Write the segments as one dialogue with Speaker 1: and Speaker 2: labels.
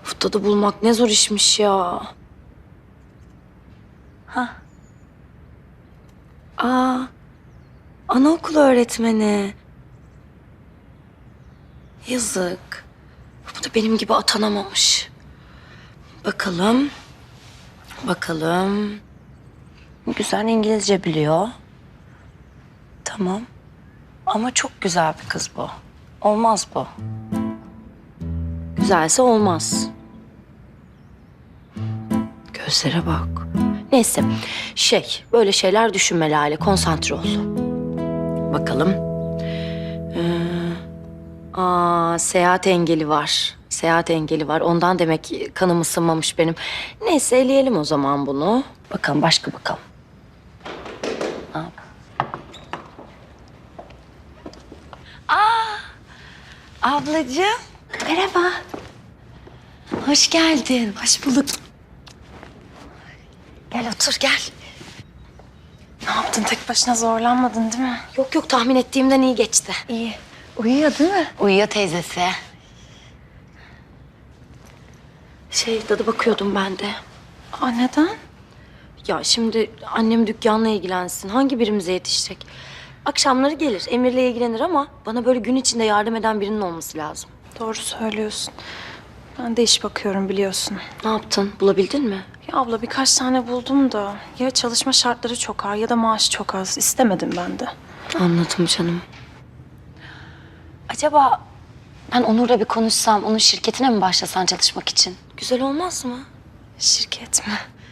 Speaker 1: Dadı bulmak ne zor işmiş ya. Ha. Aa, anaokulu öğretmeni. Yazık. Bu da benim gibi atanamamış. Bakalım. Bakalım. Güzel İngilizce biliyor. Tamam. Ama çok güzel bir kız bu. Olmaz bu. Güzelse olmaz. Gözlere bak. Neyse, böyle şeyler düşünme Lale, konsantre ol. Bakalım. Seyahat engeli var. Seyahat engeli var. Ondan demek ki kanım ısınmamış benim. Neyse, eleyelim o zaman bunu. Bakalım, başka bakalım. Ablacığım, merhaba. Hoş geldin.
Speaker 2: Hoş bulduk.
Speaker 1: Gel otur, gel.
Speaker 2: Ne yaptın? Tek başına zorlanmadın değil mi?
Speaker 1: Yok yok, tahmin ettiğimden iyi geçti.
Speaker 2: İyi. Uyuyor değil mi?
Speaker 1: Uyuyor teyzesi. Dadı bakıyordum ben de.
Speaker 2: Aa, neden?
Speaker 1: Ya şimdi annem dükkanla ilgilensin. Hangi birimize yetişecek? Akşamları gelir, Emir'le ilgilenir ama bana böyle gün içinde yardım eden birinin olması lazım.
Speaker 2: Doğru söylüyorsun. Ben de iş bakıyorum biliyorsun.
Speaker 1: Ne yaptın? Bulabildin mi?
Speaker 2: Ya abla birkaç tane buldum da ya çalışma şartları çok ağır ya da maaş çok az. İstemedim ben de.
Speaker 1: Anladım canım. Acaba ben Onur'la bir konuşsam, onun şirketine mi başlasan çalışmak için? Güzel olmaz mı?
Speaker 2: Şirket mi?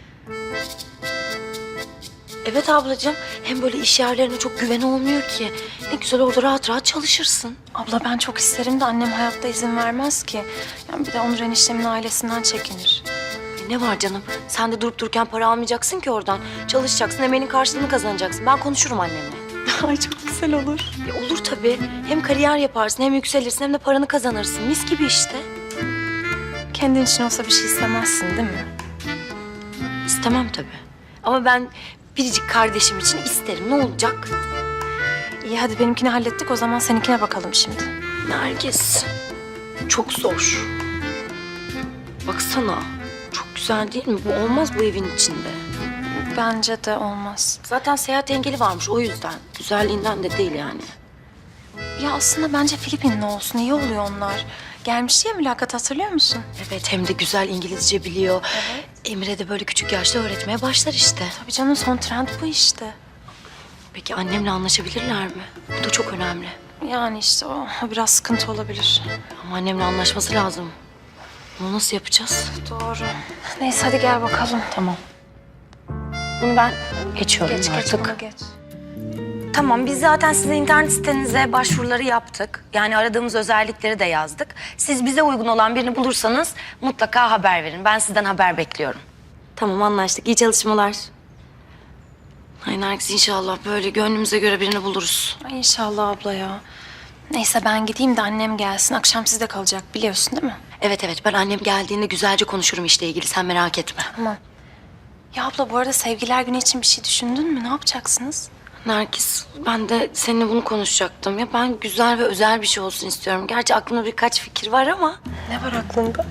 Speaker 1: Evet ablacığım. Hem böyle iş yerlerine çok güven olmuyor ki. Ne güzel orada rahat rahat çalışırsın.
Speaker 2: Abla ben çok isterim de annem hayatta izin vermez ki. Yani bir de Onur eniştemin ailesinden çekinir.
Speaker 1: Ne var canım? Sen de durup dururken para almayacaksın ki oradan. Çalışacaksın, emeğinin karşılığını kazanacaksın. Ben konuşurum annemle.
Speaker 2: Ay çok güzel olur.
Speaker 1: Olur tabii. Hem kariyer yaparsın, hem yükselirsin, hem de paranı kazanırsın. Mis gibi işte.
Speaker 2: Kendin için olsa bir şey istemezsin değil mi?
Speaker 1: İstemem tabii. Ama ben biricik kardeşim için isterim. Ne olacak?
Speaker 2: İyi hadi benimkini hallettik o zaman seninkine bakalım şimdi.
Speaker 1: Nergis, çok zor. Baksana, çok güzel değil mi? Bu olmaz bu evin içinde.
Speaker 2: Bence de olmaz.
Speaker 1: Zaten seyahat engeli varmış o yüzden. Güzelliğinden de değil yani.
Speaker 2: Ya aslında bence Filipinli olsun. İyi oluyor onlar. Gelmişti ya mülakat hatırlıyor musun?
Speaker 1: Evet, hem de güzel İngilizce biliyor.
Speaker 2: Evet.
Speaker 1: Emre de böyle küçük yaşta öğretmeye başlar işte.
Speaker 2: Tabii canım son trend bu işte.
Speaker 1: Peki annemle anlaşabilirler mi? Bu da çok önemli.
Speaker 2: Yani işte o biraz sıkıntı olabilir.
Speaker 1: Ama annemle anlaşması lazım. Bunu nasıl yapacağız?
Speaker 2: Doğru. Neyse hadi gel bakalım.
Speaker 1: Tamam. Bunu ben geçiyorum
Speaker 2: Geç
Speaker 1: artık.
Speaker 2: bunu geç.
Speaker 1: Tamam, biz zaten size internet sitenize başvuruları yaptık. Yani aradığımız özellikleri de yazdık. Siz bize uygun olan birini bulursanız mutlaka haber verin. Ben sizden haber bekliyorum. Tamam, anlaştık. İyi çalışmalar. Ay Nergis, inşallah böyle gönlümüze göre birini buluruz.
Speaker 2: Ay inşallah abla ya. Neyse ben gideyim de annem gelsin. Akşam sizde kalacak biliyorsun değil mi?
Speaker 1: Evet evet, ben annem geldiğinde güzelce konuşurum işle ilgili. Sen merak etme.
Speaker 2: Tamam. Ya abla bu arada sevgiler günü için bir şey düşündün mü? Ne yapacaksınız?
Speaker 1: Nergis, ben de seninle bunu konuşacaktım. Ya ben güzel ve özel bir şey olsun istiyorum. Gerçi aklımda birkaç fikir var ama...
Speaker 2: Ne var aklında?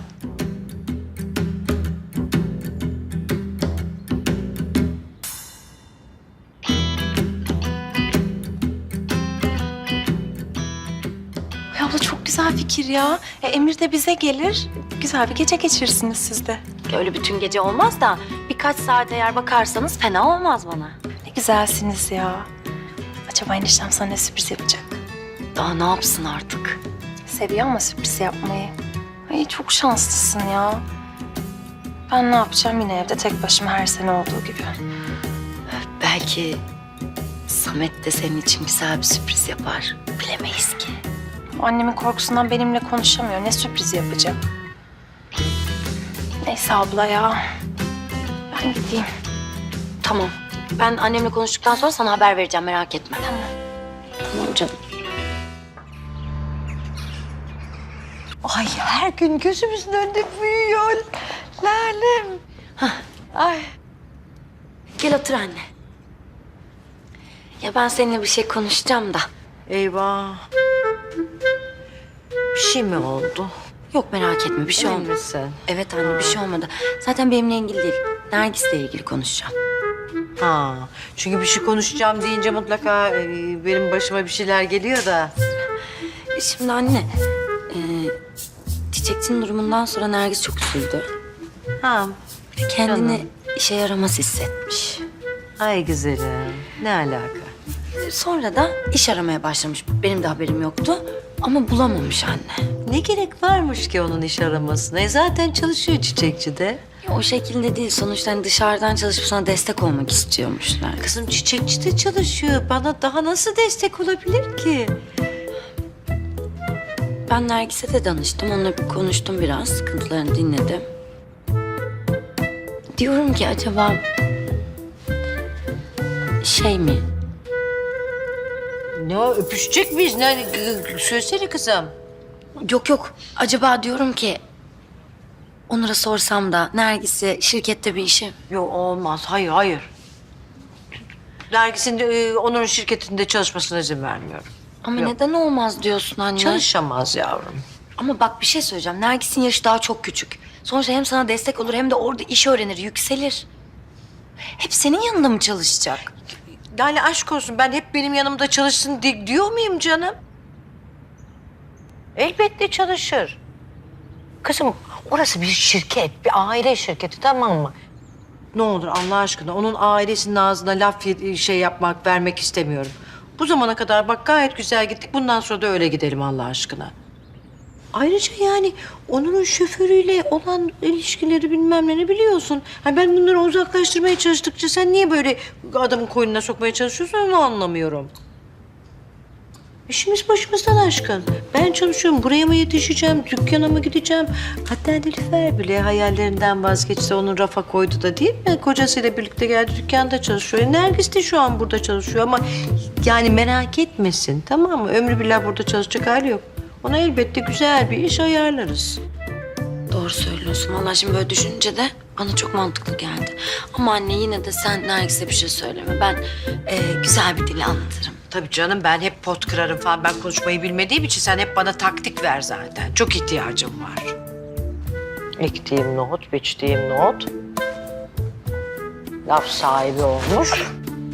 Speaker 2: Ay abla çok güzel fikir ya. Emir de bize gelir. Güzel bir gece geçirirsiniz siz de.
Speaker 1: Öyle bütün gece olmaz da birkaç saat eğer bakarsanız fena olmaz bana.
Speaker 2: Ne güzelsiniz ya. Acaba eniştem sana ne sürpriz yapacak?
Speaker 1: Daha ne yapsın artık?
Speaker 2: Seviyor ama sürpriz yapmayı. Ay çok şanslısın ya. Ben ne yapacağım yine evde tek başıma her sene olduğu gibi.
Speaker 1: Belki Samet de senin için güzel bir sürpriz yapar. Bilemeyiz ki.
Speaker 2: Annemin korkusundan benimle konuşamıyor. Ne sürpriz yapacak? Neyse abla ya. Ben gideyim.
Speaker 1: Tamam. Ben annemle konuştuktan sonra sana haber vereceğim, merak etme.
Speaker 2: Tamam.
Speaker 1: Tamam canım.
Speaker 3: Ay her gün gözümüzün önünde büyüyor. Lalem. Ay.
Speaker 1: Gel otur anne. Ya ben seninle bir şey konuşacağım da.
Speaker 3: Eyvah. Bir şey mi oldu?
Speaker 1: Yok merak etme bir şey
Speaker 3: Emin
Speaker 1: olmadı.
Speaker 3: misin?
Speaker 1: Evet anne bir şey olmadı. Zaten benimle ilgili değil. Nergis'le ilgili konuşacağım.
Speaker 3: Ha, çünkü bir şey konuşacağım deyince mutlaka benim başıma bir şeyler geliyor da.
Speaker 1: Şimdi anne, Çiçekçinin durumundan sonra Nergis çok üzüldü.
Speaker 3: Ha,
Speaker 1: Kendini
Speaker 3: Canım.
Speaker 1: işe yaramaz hissetmiş.
Speaker 3: ay güzelim. Ne alaka?
Speaker 1: Sonra da iş aramaya başlamış. Benim de haberim yoktu ama bulamamış anne.
Speaker 3: Ne gerek varmış ki onun iş aramasına? Zaten çalışıyor çiçekçide.
Speaker 1: O şekilde değil. Sonuçta hani dışarıdan çalışıp sana destek olmak istiyormuşlar.
Speaker 3: Kızım çiçekçide çalışıyor. Bana daha nasıl destek olabilir ki?
Speaker 1: Ben Nergis'e de danıştım. Onunla bir konuştum biraz. Sıkıntılarını dinledim. Diyorum ki acaba şey mi?
Speaker 3: Ne o, öpüşecek miyiz? Ne, söylesene kızım.
Speaker 1: Yok. Acaba diyorum ki Onur'a sorsam da Nergis'e şirkette bir işi.
Speaker 3: Yok olmaz. Hayır. Nergis'in de Onur'un şirketinde çalışmasına izin vermiyorum.
Speaker 1: Ama
Speaker 3: Yok.
Speaker 1: neden olmaz diyorsun anne?
Speaker 3: Çalışamaz yavrum.
Speaker 1: Ama bak bir şey söyleyeceğim. Nergis'in yaşı daha çok küçük. Sonuçta hem sana destek olur hem de orada iş öğrenir, yükselir. Hep senin yanında mı çalışacak?
Speaker 3: Lale aşk olsun ben hep benim yanımda çalışsın diyor muyum canım? Elbette çalışır. Kızım orası bir şirket, bir aile şirketi tamam mı? Ne olur Allah aşkına onun ailesinin ağzına laf şey yapmak, vermek istemiyorum. Bu zamana kadar bak gayet güzel gittik. Bundan sonra da öyle gidelim Allah aşkına. Ayrıca yani onun şoförüyle olan ilişkileri bilmem ne biliyorsun. Ha ben bunları uzaklaştırmaya çalıştıkça sen niye böyle adamın koynuna sokmaya çalışıyorsun onu anlamıyorum. İşimiz başımızdan aşkın. Ben çalışıyorum. Buraya mı yetişeceğim? Dükkana mı gideceğim? Hatta Nilüfer bile hayallerinden vazgeçti. Onu rafa koydu da değil mi? Kocasıyla birlikte geldi dükkanda çalışıyor. Nergis de şu an burada çalışıyor ama yani merak etmesin tamam mı? Ömrü billah burada çalışacak hali yok. Ona elbette güzel bir iş ayarlarız.
Speaker 1: Doğru söylüyorsun. Vallahi şimdi böyle düşününce de bana çok mantıklı geldi. Ama anne yine de sen Nergis'e bir şey söyleme. Ben güzel bir dille anlatırım.
Speaker 3: Tabii canım ben hep pot kırarım falan. Ben konuşmayı bilmediğim için sen hep bana taktik ver zaten. Çok ihtiyacım var. Ektiğim nohut, biçtiğim nohut. Laf sahibi olmuş.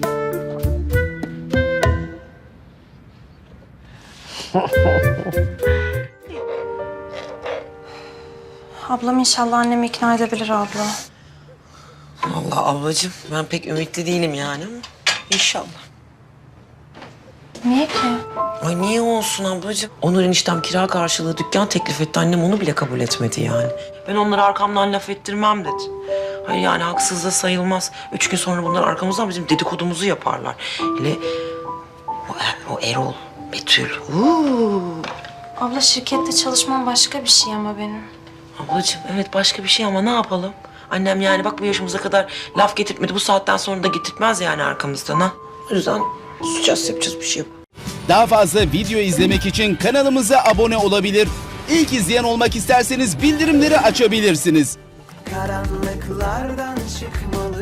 Speaker 2: Ablam inşallah annemi ikna edebilir abla.
Speaker 4: Vallahi ablacığım ben pek ümitli değilim yani ama inşallah.
Speaker 2: Niye ki?
Speaker 4: Ay niye olsun ablacığım? Onur eniştem kira karşılığı dükkan teklif etti. Annem onu bile kabul etmedi yani. Ben onları arkamdan laf ettirmem dedi. Hayır yani haksız da sayılmaz. 3 gün sonra bunlar arkamızdan bizim dedikodumuzu yaparlar. Hele o Erol, Betül.
Speaker 2: Abla şirkette çalışmam başka bir şey ama benim.
Speaker 4: Ablacığım evet başka bir şey ama ne yapalım? Annem yani bak bu yaşımıza kadar laf getirtmedi. Bu saatten sonra da getirtmez yani arkamızdan ha. O yüzden susacağız yapacağız bir şey yok.
Speaker 5: Daha fazla video izlemek için kanalımıza abone olabilir. İlk izleyen olmak isterseniz bildirimleri açabilirsiniz.
Speaker 6: Karanlıklardan çıkmalı